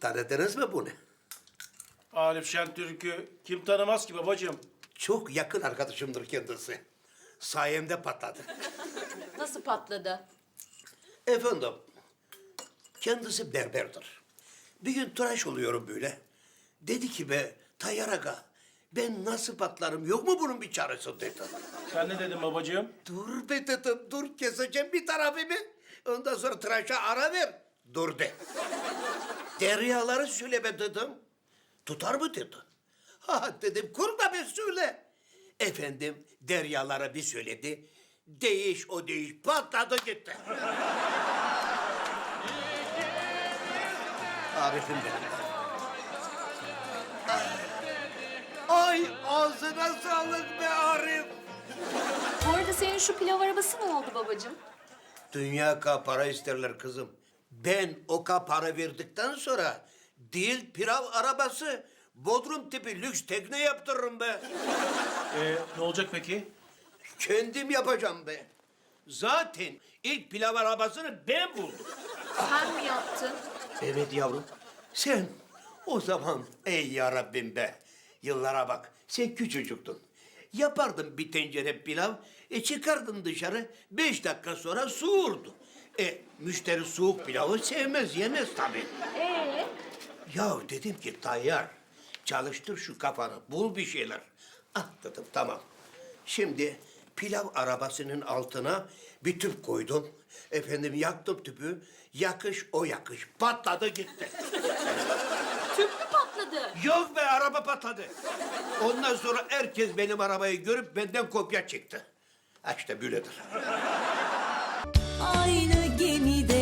Tanıdınız mı bunu? Arif Şentürk'ü kim tanımaz ki babacığım? Çok yakın arkadaşımdır kendisi. Sayemde patladı. Nasıl patladı? Efendim, kendisi berberdir. Bir gün tıraş oluyorum böyle. Dedi ki be Tayyar Aga, ben nasıl patlarım, yok mu bunun bir çaresi dedi. Sen ne dedin babacığım? Dur be dedim, dur keseceğim bir tarafımı. Ondan sonra tıraşa ara ver. Dur de. Deryaları söyle be dedim. Tutar mı dedi. Ha dedim, kurma be söyle. Efendim, deryalara bir söyledi. Değiş o değiş, patladı gitti. Arif'im benim. Ay ağzına sağlık be Arif. Bu arada senin şu pilav arabası ne oldu babacığım? Dünya para isterler kızım. Ben o para verdikten sonra değil pilav arabası, Bodrum tipi lüks tekne yaptırırım be. Ne olacak peki? Kendim yapacağım be. Zaten ilk pilav arabasını ben buldum. Sen mi yaptın? Evet yavrum. Sen o zaman ey yarabbim be. Yıllara bak. Sen küçücüktün. Yapardın bir tencere pilav. Çıkardın dışarı. 5 dakika sonra soğurdu. Müşteri soğuk pilavı sevmez, yemez tabii. Ya dedim ki Tayyar, çalıştır şu kafanı, bul bir şeyler. Ah dedim, tamam. Şimdi pilav arabasının altına bir tüp koydum. Efendim yaktım tüpü, yakış o yakış. Patladı gitti. Tüp mü patladı? Yok be, araba patladı. Ondan sonra herkes benim arabayı görüp benden kopya çekti. Ha işte böyledir. Aynı gemide